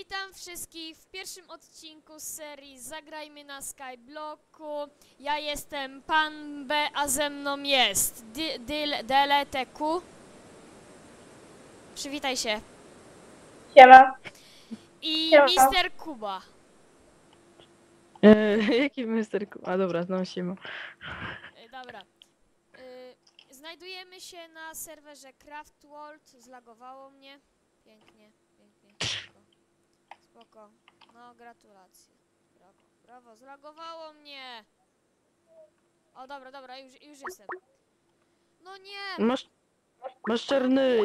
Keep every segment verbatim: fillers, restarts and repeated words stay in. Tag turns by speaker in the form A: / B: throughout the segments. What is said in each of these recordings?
A: Witam wszystkich w pierwszym odcinku z serii Zagrajmy na Skyblocku. Ja jestem Pan B, a ze mną jest DLTQ. Przywitaj się.
B: Siema.
A: I
B: Siema.
A: Mister Kuba.
C: Eee, jaki mister Ku- A dobra, znam się.
A: Y, Dobra. Y, Znajdujemy się na serwerze Craft World. Zlagowało mnie. Pięknie, pięknie. Spoko. Spoko. No, gratulacje. Brawo, brawo. Zlagowało mnie. O, dobra, dobra, już, już jestem. No nie!
C: Masz, masz czarny.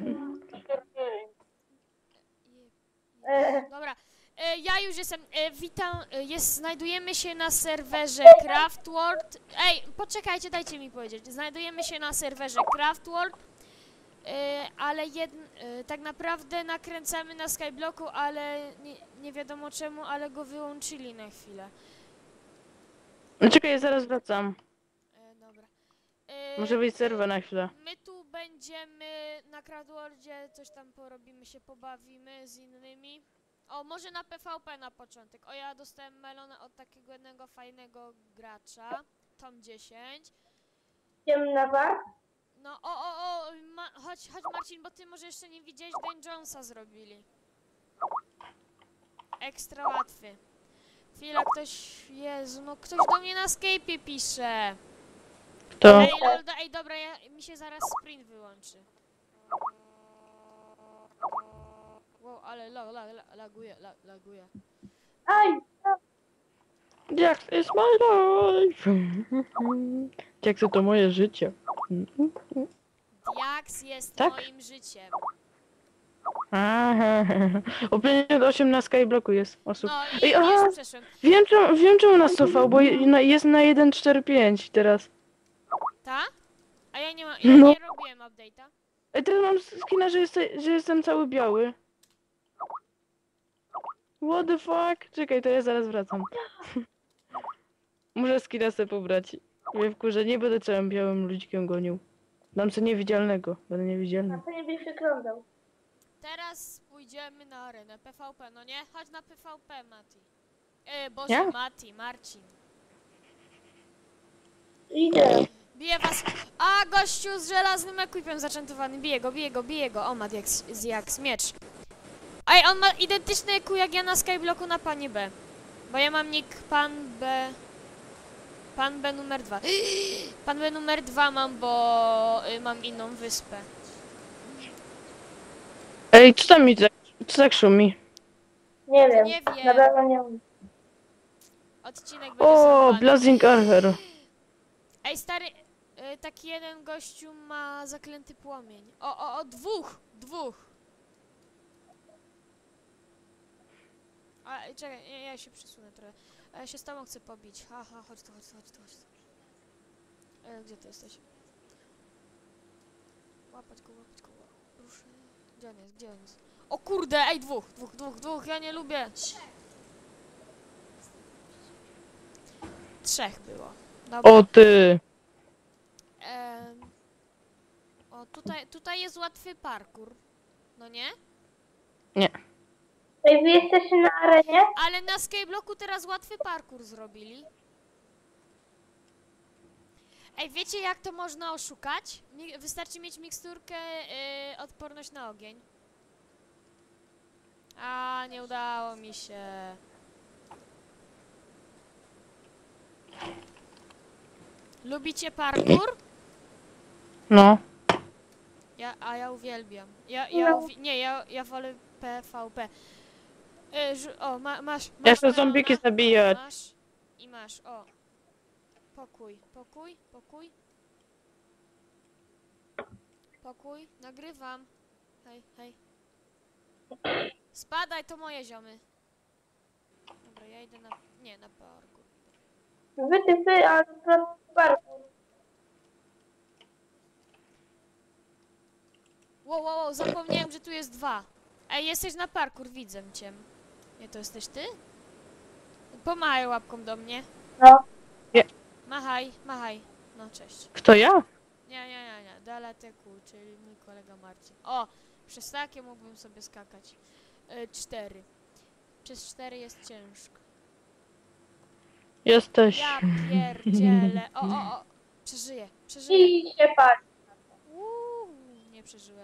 B: E,
A: Dobra, e, ja już jestem. E, witam, e, jest, znajdujemy się na serwerze Craft World. Ej, poczekajcie, dajcie mi powiedzieć. Znajdujemy się na serwerze Craft World, e, ale jed, e, tak naprawdę nakręcamy na Skyblocku, ale nie, nie wiadomo czemu, ale go wyłączyli na chwilę.
C: No czekaj, ja zaraz wracam.
A: E, dobra. E,
C: Muszę wyjść z serwa na chwilę.
A: My tu będziemy na Craftworldzie, coś tam porobimy, się pobawimy z innymi. O, może na P V P na początek. O, ja dostałem melona od takiego jednego fajnego gracza. Tom dziesięć.
B: idziemy na bar?
A: No, o, o, o, ma, chodź, chodź Marcin, bo ty może jeszcze nie widziałeś, Dan Jonesa zrobili. Ekstra łatwy. Chwila, ktoś, Jezu, no ktoś do mnie na Skype'ie pisze.
C: To.
A: Ej, lol, do, ej, dobra, ja, mi się zaraz sprint wyłączy. Wow, ale lag, lag, lag, laguje, lag, laguje.
B: Aj!
C: Jax is my life. Jax to moje życie.
A: Diax jest
C: Tak?
A: moim życiem.
C: Aha. O pięćdziesiąt osiem na Skyblocku jest osób.
A: No i
C: Ej, aha.
A: już przeszłem.
C: Wiem czemu, wiem czemu nas cofał, bo je- na- jest na jeden cztery pięć teraz.
A: Ta? A ja nie mam, ja
C: No.
A: nie robiłem update'a.
C: Ej, teraz mam skina, że, jest, że jestem cały biały. What the fuck? Czekaj, to ja zaraz wracam. Muszę skina sobie pobrać. Mnie wkurzę, nie będę całym białym ludzikiem gonił. Dam co niewidzialnego, będę
B: A
C: niewidzialny.
B: to nie byś wyglądał.
A: Teraz pójdziemy na arenę P V P, no nie? Chodź na P V P, Mati. E, Boże,
C: Ja?
A: Mati, Marcin.
B: Idę.
A: Bije was. A, gościu z żelaznym equipem zaczętowany. Bije go, bije go, bije go. O, ma jak, jak miecz. Ej, on ma identyczny E Q jak ja na Skyblocku na panie B. Bo ja mam nick pan B... Pan B numer dwa. Pan B numer dwa mam, bo y, mam inną wyspę.
C: Ej, co tam mi tak, co tak szumi?
B: Nie wiem.
A: Nie wiem.
B: Na pewno nie wiem.
A: Odcinek będzie
C: O,
A: zerwany.
C: Blazing Archer.
A: Ej, stary, y, taki jeden gościu ma zaklęty płomień. O, o, o, dwóch, dwóch. A, y, czekaj, ja, ja się przesunę trochę. A ja się z tobą chcę pobić. Ha, ha, chodź tu, chodź tu, chodź tu, chodź tu. E, gdzie ty jesteś? Łapać go, łapać go, ła- ruszę. Gdzie on jest, gdzie on jest? O kurde, ej, dwóch, dwóch, dwóch, dwóch, ja nie lubię. Trzech było. Dobra.
C: O ty.
A: Em, o, tutaj, tutaj jest łatwy parkour. No nie?
B: Ej, wy jesteście na arenie?
A: Ale na Skyblocku teraz łatwy parkour zrobili. Ej, wiecie jak to można oszukać? Mi- Wystarczy mieć miksturkę y, odporność na ogień. A, nie udało mi się. Lubicie parkour?
C: No.
A: Ja, a ja uwielbiam. Ja, ja
B: No.
A: uwi nie, ja, ja wolę P V P. Y, żu- o, ma, masz, masz
C: Ja chcę
A: melona?
C: zombiki zabijać.
A: Masz i masz, o. Pokój, pokój, pokój. Pokój, nagrywam. Hej, hej. Spadaj, to moje ziomy. Dobra, ja idę na... nie, na parku.
B: Wy, ty, wy, ale to barku.
A: Wow, wow, wow, zapomniałem, że tu jest dwa. Ej, jesteś na parkour, widzę cię. Nie, to jesteś ty? Pomachaj łapką do mnie.
B: No.
A: Machaj, machaj. No, cześć.
C: Kto ja?
A: Nie, nie, nie, nie. DLTQ, czyli mój kolega Marcin. O, przez takie mógłbym sobie skakać. E, cztery. Przez cztery jest ciężko.
C: Jesteś.
A: Ja pierdzielę. O, o, o. Przeżyję, przeżyję.
B: I się pali.
A: Uuu, nie przeżyłem.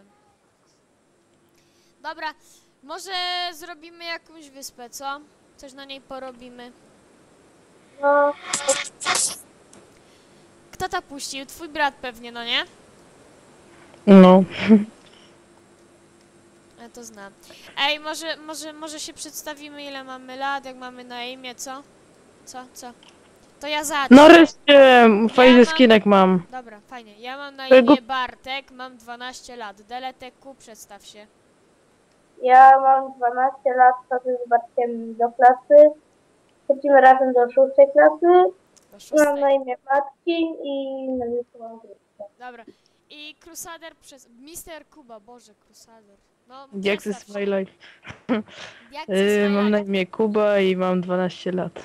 A: Dobra, może zrobimy jakąś wyspę, co? Coś na niej porobimy.
B: No,
A: Kto to puścił? Twój brat pewnie, no nie?
C: No.
A: Ja to znam. Ej, może, może, może się przedstawimy, ile mamy lat, jak mamy na imię, co? Co, co? To ja zacznę.
C: Nareszcie fajny
A: mam-
C: skinek mam.
A: Dobra, fajnie. Ja mam na
C: Tego-
A: imię Bartek, mam dwanaście lat. Deleteku, przedstaw się.
B: ja mam dwanaście lat, chodzę z Bartkiem do klasy. Chodzimy razem do szóstej klasy.
A: Do
B: Mam na
A: szóstej.
B: imię Marcin i na miejscu mam Krzysztof.
A: Dobra. I Crusader przez... mister Kuba, Boże, Crusader. No,
C: Jak
A: przedstaw
C: is
A: się.
C: my life?
A: Jak
C: Yy, mam na
A: life?
C: imię Kuba i mam dwanaście lat.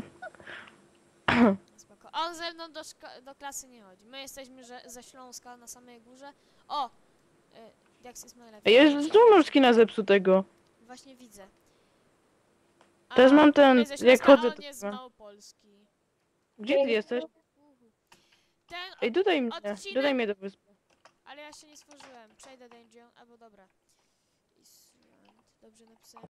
A: Spoko. On ze mną do, szko- do klasy nie chodzi. My jesteśmy że, ze Śląska na samej górze. O! Y, jak is my life?
C: Ej, ja już tu mam skina zepsutego.
A: Właśnie widzę.
C: Też mam ten,
A: my ze
C: jak
A: Śląska,
C: chodzę,
A: a on
C: to
A: nie
C: mam.
A: znał Polski.
C: Gdzie ty jesteś?
A: Uhu. Ten,
C: Ej, dodaj mnie,
A: odcinek-
C: dodaj mnie do wyspy.
A: ale ja się nie stworzyłem. Przejdę danger, albo dobra. Island. Dobrze napisałem.